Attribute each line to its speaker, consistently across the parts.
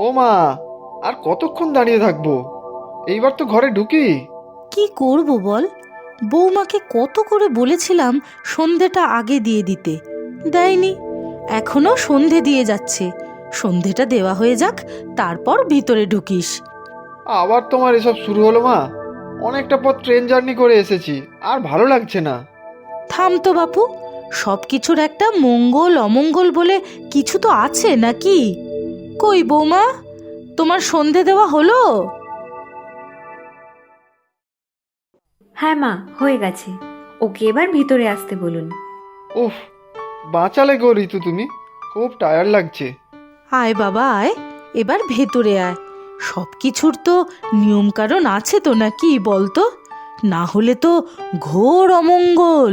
Speaker 1: মা, আর কতক্ষণ দাঁড়িয়ে থাকবো? এইবার তো ঘরে ঢুকি।
Speaker 2: কি করব বল? বৌমাকে কত করে বলেছিলাম সন্ধেটা আগে দিয়ে দিতে, দেয়নি। এখনো সন্ধে দিয়ে যাচ্ছে। সন্ধেটা দেওয়া হয়ে যাক, তারপর ভিতরে ঢুকিস।
Speaker 1: আবার তোমার এসব শুরু হলো মা? অনেকটা পথ ট্রেন জার্নি করে এসেছি, আর ভালো লাগছে না।
Speaker 2: থাম তো বাপু, সব কিছুর একটা মঙ্গল অমঙ্গল বলে কিছু তো আছে নাকি? কই বৌমা, তোমার সন্ধে দেওয়া হলো?
Speaker 3: হ্যাঁ মা, হয়ে গেছে। ওকে এবার ভিতরে আসতে বলুন।
Speaker 1: উফ, বাঁচালে গো ঋতু, তুমি। খুব টায়ার্ড লাগছে।
Speaker 2: আয় বাবা আয়, এবার ভেতরে আয়। সব কিছুর তো নিয়ম কারণ আছে তো নাকি বলতো? না হলে তো ঘোর অমঙ্গল।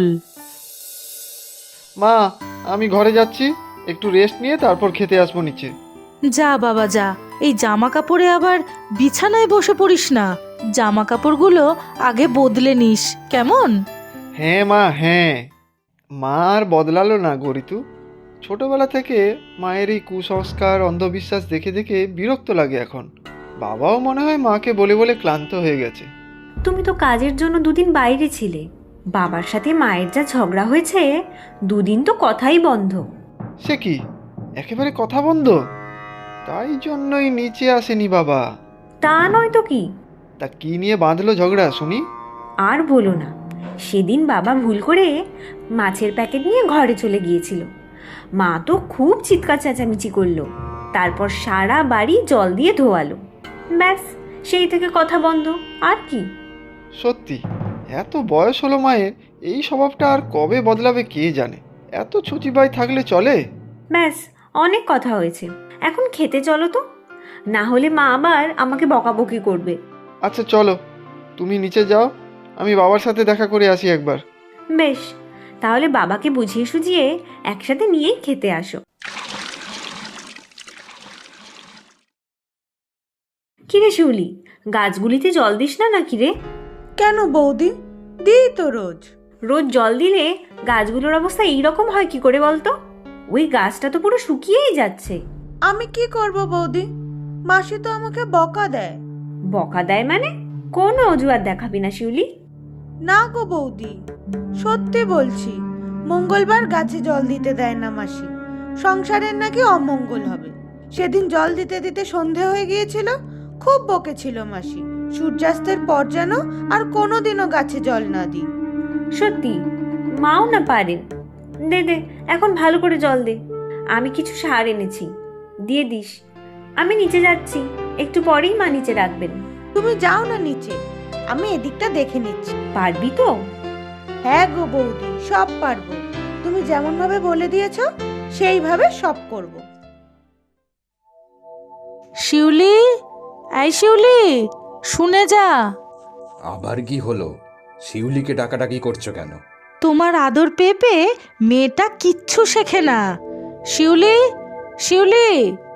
Speaker 1: মা, আমি ঘরে যাচ্ছি, একটু রেস্ট নিয়ে তারপর খেতে আসবো নিচে।
Speaker 2: যা বাবা যা, এই জামা কাপড়ে আবার বিছানায় বসে পড়িস না। জামা কাপড়গুলো আগে বদলে নিস, কেমন?
Speaker 1: হ্যাঁ মা, হ্যাঁ। মা আর বদলালো না গো ঋতু। ছোটবেলা থেকে মায়ের এই কুসংস্কার অন্ধবিশ্বাস দেখে দেখে বিরক্ত লাগে এখন। বাবাও মনে হয় মাকে বলে বলে ক্লান্ত হয়ে গেছে।
Speaker 3: তুমি তো কাজের জন্য দুদিন বাইরে ছিলে। বাবার সাথে মায়ের যা ঝগড়া হয়েছে, দুদিন তো কথাই বন্ধ।
Speaker 1: সে কি, একেবারে কথা বন্ধ? তাই জন্যই নিচে আসেনি বাবা।
Speaker 3: তা নয় তো কি।
Speaker 1: তা কি নিয়ে বাঁধলো ঝগড়া শুনি?
Speaker 3: আর বলো না, সেদিন বাবা ভুল করে মাছের প্যাকেট নিয়ে ঘরে চলে গিয়েছিল। মা তো খুব চিৎকার চেঁচামেচি করলো। তারপর সারা বাড়ি জল দিয়ে ধোয়ালো। ব্যাস, সেই থেকে কথা বন্ধ। আর কি।
Speaker 1: সত্যি, এত বয়স হলো মায়ের, এই স্বভাবটা আর কবে বদলাবে কে জানে। এত ছুচিবাই থাকলে চলে?
Speaker 3: ব্যাস, অনেক কথা হয়েছে। এখন খেতে চলো তো, না হলে মা আবার আমাকে বকাবকি করবে।
Speaker 1: আচ্ছা চলো, তুমি নিচে যাও, আমি বাবার সাথে দেখা করে আসি একবার।
Speaker 3: বেশ, তাহলে বাবাকে বুঝিয়ে সুঝিয়ে একসাথে নিয়েই খেতে আসো। কিরে শিউলি, গাছগুলিতে জল দিস না নাকি রে?
Speaker 4: কেন বৌদি, দিই তো রোজ।
Speaker 3: রোজ জল দিলে গাছগুলোর অবস্থা এইরকম হয় কি করে বলতো? ওই গাছটা তো পুরো শুকিয়েই যাচ্ছে।
Speaker 4: আমি কি করব বৌদি, মাসি তো আমাকে বকা দেয়।
Speaker 3: বকা দেয় মানে? কোনো অজুহাত দেখাবি না শিউলি।
Speaker 4: না গো বৌদি, সত্যি বলছি, মঙ্গলবার গাছে জল দিতে দেয় না মাসি। সংসারের নাকি অমঙ্গল হবে। সেদিন জল দিতে দিতে সন্ধে হয়ে গিয়েছিল, খুব বকেছিল মাসি। সূর্যাস্তের পর যেন আর কোনোদিনও গাছে জল না দিই।
Speaker 3: সত্যি, মাও না পারেন। দে দে, এখন ভালো করে জল দে। আমি কিছু সার এনেছি, দিয়ে দিস। আমি নিচে যাচ্ছি, একটু পরেই মা নিচে রাখবেন।
Speaker 4: তুমি যাও না নিচে, আমি এদিকটা দেখে নিচ্ছি।
Speaker 3: পারবি তো?
Speaker 4: হ্যাঁ গো বৌদি, সব পারবো। তুমি যেমন ভাবে বলে দিয়েছো সেইভাবে সব করব।
Speaker 2: শিউলি, এই শিউলি, শুনে যা।
Speaker 5: আবার কি হলো? শিউলিকে ডাকাডাকি করছো কেন?
Speaker 2: তোমার আদর পেয়ে পেয়ে মেয়েটা কিচ্ছু শেখে না। শিউলি, শিউলি।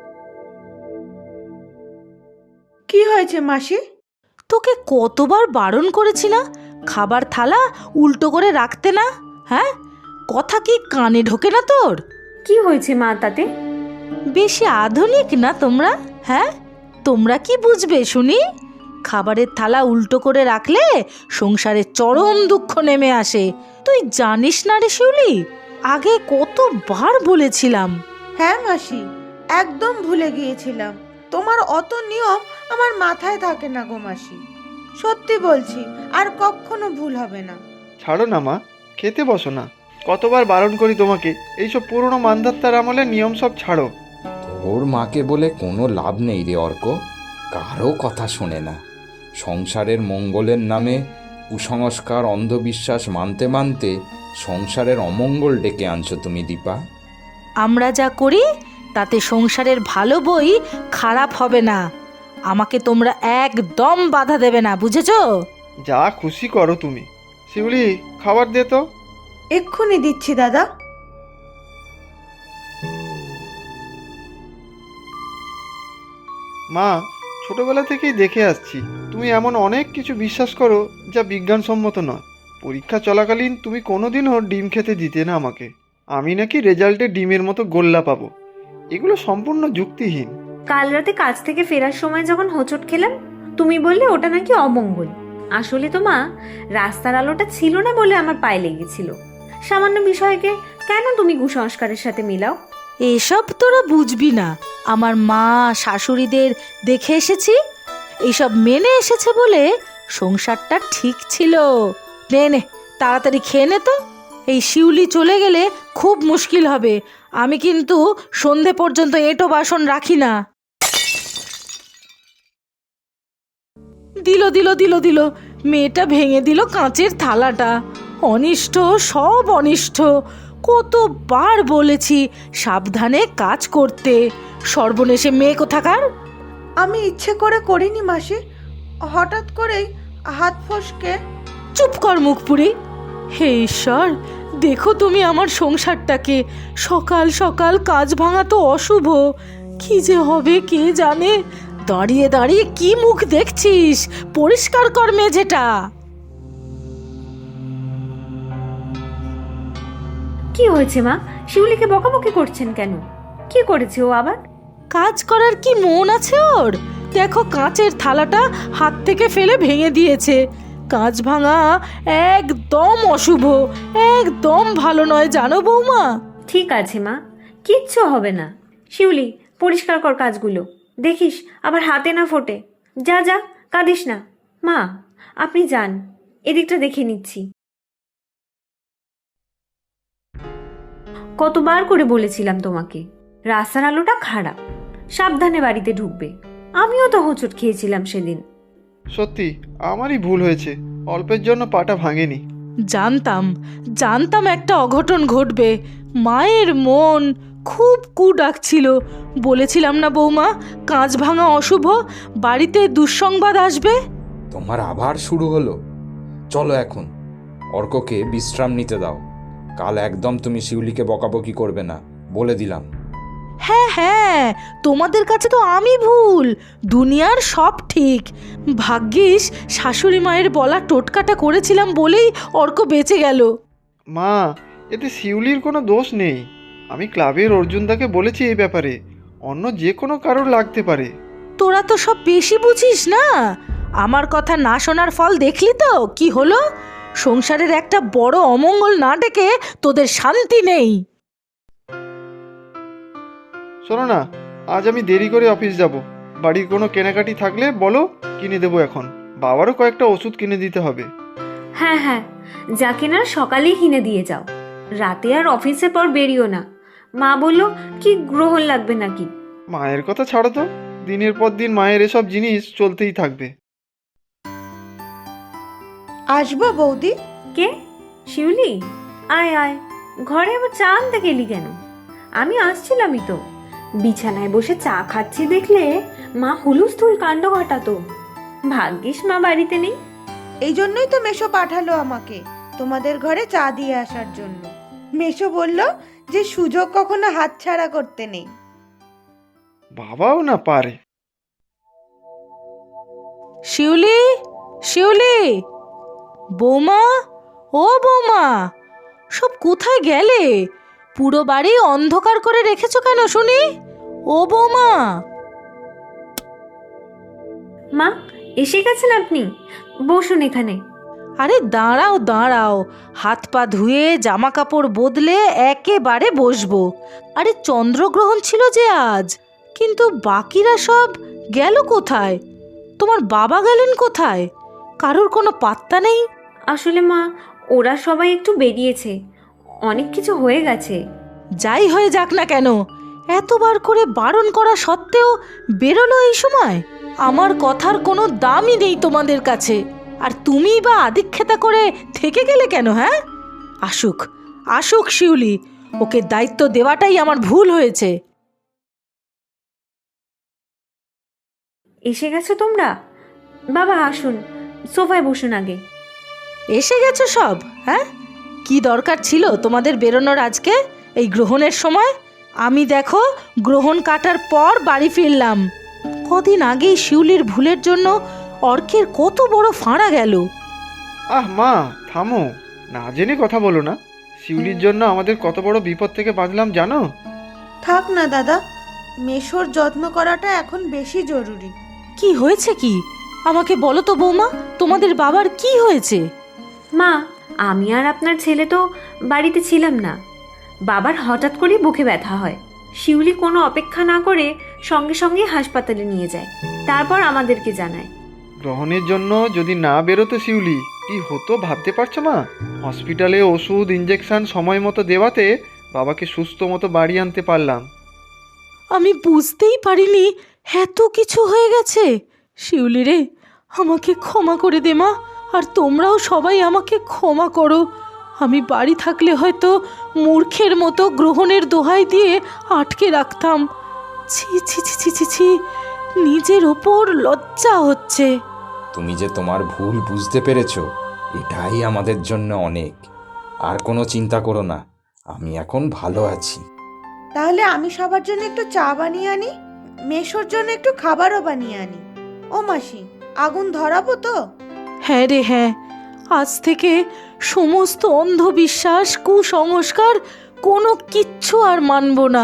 Speaker 4: কি হয়েছে মাসি?
Speaker 2: তোকে কতবার বারণ করেছি না খাবার থালা উল্টো করে রাখতে না? হ্যাঁ, কথা কি কানে ঢোকে না তোর?
Speaker 3: কি হয়েছে মা তাতে?
Speaker 2: বেশি আধুনিক না তোমরা? হ্যাঁ, তোমরা কি বুঝবে শুনি? খাবারের থালা উল্টো করে রাখলে সংসারে চরম দুঃখ নেমে আসে। তুই জানিস না রে শিউলি? আগে কতবার বলেছিলাম।
Speaker 4: হ্যাঁ মাসি, একদম ভুলে গিয়েছিলাম। তোমার অত নিয়ম আমার মাথায় থাকে না গো মাসি। সত্যি বলছি, আর কখনো ভুল হবে না।
Speaker 1: ছাড়ো না মা, খেতে বসো না। কতবার বারণ করি তোমাকে, এইসব পুরনো মান্ধাত্তার আমলে নিয়ম সব ছাড়ো।
Speaker 5: তোর মাকে বলে কোনো লাভ নেই রে অর্ক, কারো কথা শোনে না। সংসারের মঙ্গলের নামে কুসংস্কার অন্ধবিশ্বাস মানতে মানতে সংসারের অমঙ্গল ডেকে আনছো তুমি দীপা।
Speaker 2: আমরা যা করি তাতে সংসারের ভালো বই খারাপ হবে না। আমাকে তোমরা একদম বাধা দেবে না, বুঝেছো?
Speaker 1: যা খুশি করো তুমি। শিউলি, খাবার দে তো।
Speaker 4: এক্ষুনি দিচ্ছি দাদা।
Speaker 1: মা, ছোটবেলা থেকেই দেখে আসছি তুমি এমন অনেক কিছু বিশ্বাস করো যা বিজ্ঞানসম্মত নয়। পরীক্ষা চলাকালীন তুমি কোনোদিনও ডিম খেতে দিতে না আমাকে। আমি নাকি রেজাল্টে ডিমের মতো গোল্লা পাবো। এগুলো সম্পূর্ণ যুক্তিহীন।
Speaker 3: কাল রাতে কাজ থেকে ফেরার সময় যখন হোঁচট খেলাম, তুমি বললে ওটা নাকি অমঙ্গল। আসলে তো মা, রাস্তার আলোটা ছিল না বলে আমার পায়ে লেগেছিল। সামান্য বিষয়কে কেন তুমি কুসংস্কারের সাথে মিলাও?
Speaker 2: এসব তোরা বুঝবি না। আমার মা শাশুড়িদের দেখে এসেছি, এইসব মেনে এসেছে বলে সংসারটা ঠিক ছিল। নে নে, তাড়াতাড়ি খেয়ে নে তো। এই শিউলি চলে গেলে খুব মুশকিল হবে। আমি কিন্তু সন্ধে পর্যন্ত এঁটো বাসন রাখি না। দিল দিল দিল দিল, মেয়েটা ভেঙে দিল কাঁচের থালাটা। অনিষ্ট, সব অনিষ্ট। কতবার বলেছি সাবধানে কাজ করতে। সর্বনেশে মেয়ে কোথাকার।
Speaker 4: আমি ইচ্ছে করে করিনি মাসি, হঠাৎ করেই হাত ফসকে।
Speaker 2: চুপ কর মুখ পুরি। হে ঈশ্বর, দেখো তুমি আমার সংসারটাকে। সকাল সকাল কাজ ভাঙা তো অশুভ। কি যে হবে কে জানে। দাঁড়িয়ে দাঁড়িয়ে কি মুখ দেখছিস? পরিষ্কার কর মেঝেটা।
Speaker 3: কি হয়েছে মা? শিউলিকে বকাবকি করছেন কেন? কি করেছে ও আবার?
Speaker 2: কাজ করার কি মন আছে ওর? দেখো কাঁচের থালাটা হাত থেকে ফেলে ভেঙে দিয়েছে। কাঁচ ভাঙা একদম অশুভ, একদম ভালো নয় জানো বৌমা।
Speaker 3: ঠিক আছে মা, কিচ্ছু হবে না। শিউলি, পরিষ্কার কর কাজগুলো, দেখিস আবার হাতে না ফোটে। যা যা, কাঁদিস না। মা, আপনি যান, এদিকটা দেখে নিচ্ছি। কতবার করে বলেছিলাম তোমাকে, রাস্তার আলোটা খারাপ, সাবধানে বাড়িতে ঢুকবে। আমিও তো হোঁচট খেয়েছিলাম সেদিন।
Speaker 1: সত্যি আমারই ভুল হয়েছে, অল্পের জন্য পাটা ভাঙেনি।
Speaker 2: জানতাম জানতাম একটা অঘটন ঘটবে। মায়ের মন খুব কু ডাকছিল। বলেছিলাম না বৌমা, কাঁচ ভাঙা অশুভ, বাড়িতে দুঃসংবাদ আসবে।
Speaker 5: তোমার আবার শুরু হলো। চলো এখন, অর্ককে বিশ্রাম নিতে দাও। কাল একদম তুমি শিউলিকে বকাবকি করবে না, বলে দিলাম।
Speaker 2: হ্যাঁ হ্যাঁ, তোমাদের কাছে তো আমি ভুল, দুনিয়ার সব ঠিক। ভাগ্যিস শাশুড়ি মায়ের বলা টোটকাটা করেছিলাম বলেই অর্ক বেঁচে গেল।
Speaker 1: মা, এতে শিউলির কোনো দোষ নেই। আমি ক্লাবের অর্জুনদাকে বলেছি এই ব্যাপারে, অন্য যে কোনো কারোর লাগতে পারে।
Speaker 2: তোরা তো সব বেশি বুঝিস না। আমার কথা না শোনার ফল দেখলি তো কি হলো। সংসারের একটা বড় অমঙ্গল না ডেকে তোদের শান্তি নেই।
Speaker 1: শোনো না, আজ আমি দেরি করে অফিস যাব। বাড়ির কোনো কেনাকাটি থাকলে বলো, কিনে দেবো এখন। বাবারও কয়েকটা ওষুধ কিনে দিতে হবে।
Speaker 3: হ্যাঁ হ্যাঁ, যা কেনার সকালেই কিনে দিয়ে যাও। রাতে আর অফিসের পর বেরিও না। মা বলল কি গ্রহণ লাগবে নাকি।
Speaker 1: মায়ের কথা ছাড়ো তো, দিনের পর দিন মায়ের এসব জিনিস চলতেই থাকবে।
Speaker 4: আসবো বৌদি?
Speaker 3: কে? শিউলি, আয় আয়। ঘরে আবার চা আনতে গেলি কেন? আমি আসছিলামই তো। বিছানায় বসে চা খাচ্ছি দেখলে মা হুলুস্থুল কাণ্ড ঘটাতো। ভাগ্যিস মা বাড়িতে নেই।
Speaker 4: এই জন্যই তো মেশো পাঠালো আমাকে তোমাদের ঘরে চা দিয়ে আসার জন্য। মেশো বলল যে সুযোগ কখনো হাতছাড়া করতে নেই।
Speaker 1: বাবাও না পারে।
Speaker 2: শিউলি, শিউলি, বৌমা, ও বৌমা, সব কোথায় গেলে? পুরো বাড়ি অন্ধকার করে রেখেছো কেন শুনি? ও বৌমা।
Speaker 3: মা, এসে গেছেন আপনি? বসুন এখানে।
Speaker 2: আরে দাঁড়াও দাঁড়াও, হাত পা ধুয়ে জামা কাপড় বদলে একেবারে বসবো। আরে চন্দ্রগ্রহণ ছিল যে আজ, কিন্তু বাকিরা সব গেল কোথায়? তোমার বাবা গেলেন কোথায়? কারোর কোনো পাত্তা নেই।
Speaker 3: আসলে মা, ওরা সবাই একটু বেরিয়েছে, অনেক কিছু হয়ে গেছে।
Speaker 2: যাই হয়ে যাক না কেন, এতবার করে বারণ করা সত্ত্বেও বেরোলো এই সময়। আমার কথার কোনো দামই নেই তোমাদের কাছে। আর তুমি বা আদিক্ষেতা করে থেকে গেলে কেন? হ্যাঁ, আসুক আসুক শিউলি, ওকে দায়িত্ব দেওয়াটাই আমার ভুল হয়েছে।
Speaker 3: এসে গেছো তোমরা? বাবা আসুন, সোফায় বসুন আগে।
Speaker 2: এসে গেছো সব? হ্যাঁ, কি দরকার ছিল তোমাদের বেরোনোর আজকে এই গ্রহণের সময়? আমি দেখো গ্রহণ কাটার পর বাড়ি ফিরলাম। কদিন আগেই শিউলির ভুলের জন্য অর্কের কত বড় ফাঁড়া গেল।
Speaker 1: আহ মা, থামো, না জেনে কথা বলো না। শিউলির জন্য আমাদের কত বড় বিপদ থেকে বাঁচলাম জানো?
Speaker 4: থাক না দাদা, মেশোর যত্ন করাটা এখন বেশি জরুরি।
Speaker 2: কি হয়েছে কি? আমাকে বলো তো বৌমা, তোমাদের বাবার কি হয়েছে?
Speaker 3: মা, আমি আর আপনার ছেলে তো বাড়িতে ছিলাম না। বাবার হঠাৎ করেই বুকে ব্যথা হয়। শিউলি কোনো অপেক্ষা না করে সঙ্গে সঙ্গে হাসপাতালে নিয়ে যায়, তারপর আমাদেরকে জানায়।
Speaker 1: গ্রহণের জন্য যদি না বেরোতো শিউলি, কি হতো ভাবতে পারছো মা? হসপিটালে ওষুধ ইঞ্জেকশন সময় মতো দেওয়াতে বাবাকে সুস্থ মতো বাড়ি আনতে পারলাম।
Speaker 2: আমি বুঝতেই পারিনি এত কিছু হয়ে গেছে। শিউলি রে, আমাকে ক্ষমা করে দে মা, আর তোমরাও সবাই আমাকে ক্ষমা করো। আমি বাড়ি থাকলে হয়তো মূর্খের মতো গ্রহণের দোহাই দিয়ে আটকে রাখতাম। ছি ছি ছি ছি ছি ছি, নিজের ওপর লজ্জা হচ্ছে।
Speaker 5: তুমি যে তোমার ভুল বুঝতে পেরেছো, এটাই আমাদের জন্য অনেক। আর কোনো চিন্তা করো না, আমি এখন ভালো আছি।
Speaker 4: তাহলে আমি সবার জন্য একটু চা বানিয়ে আনি, মেশোর জন্য একটু খাবারও বানিয়ে আনি। ও মাসি, আগুন ধরাবো তো?
Speaker 2: হ্যাঁ রে হ্যাঁ, আজ থেকে সমস্ত অন্ধবিশ্বাস কুসংস্কার কোনো কিচ্ছু আর মানব না।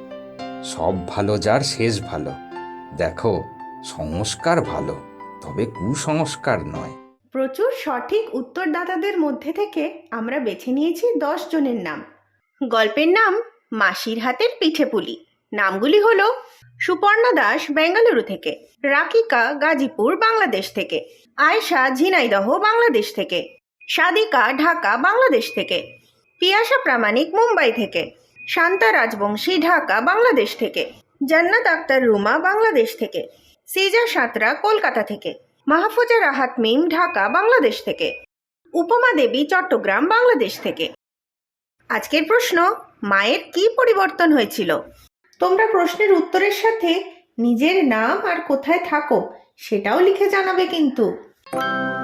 Speaker 5: সব ভালো যার শেষ ভালো। দেখো, সংস্কার ভালো, তবে কুসংস্কার নয়।
Speaker 6: প্রচুর সঠিক উত্তরদাতাদের মধ্যে থেকে আমরা বেছে নিয়েছি 10 জনের নাম। গল্পের নাম মাসির হাতের পিঠে পুলি। নামগুলি হলো সুপর্ণা দাস বেঙ্গালুরু থেকে, রাকিকা গাজীপুর বাংলাদেশ থেকে, আয়েশা ঝিনাইদহ বাংলাদেশ থেকে, সাদিকা ঢাকা বাংলাদেশ থেকে, পিয়াসা প্রামাণিক মুম্বাই থেকে, শান্তা রাজবংশী ঢাকা বাংলাদেশ থেকে, জান্নাত আক্তার রুমা বাংলাদেশ থেকে, সিজা সাঁতরা কলকাতা থেকে, মাহফুজা রাহাত মিম ঢাকা বাংলাদেশ থেকে, উপমা দেবী চট্টগ্রাম বাংলাদেশ থেকে। আজকের প্রশ্ন, মায়ের কি পরিবর্তন হয়েছিল? তোমরা প্রশ্নের উত্তরের সাথে নিজের নাম আর কোথায় থাকো সেটাও লিখে জানাবে কিন্তু।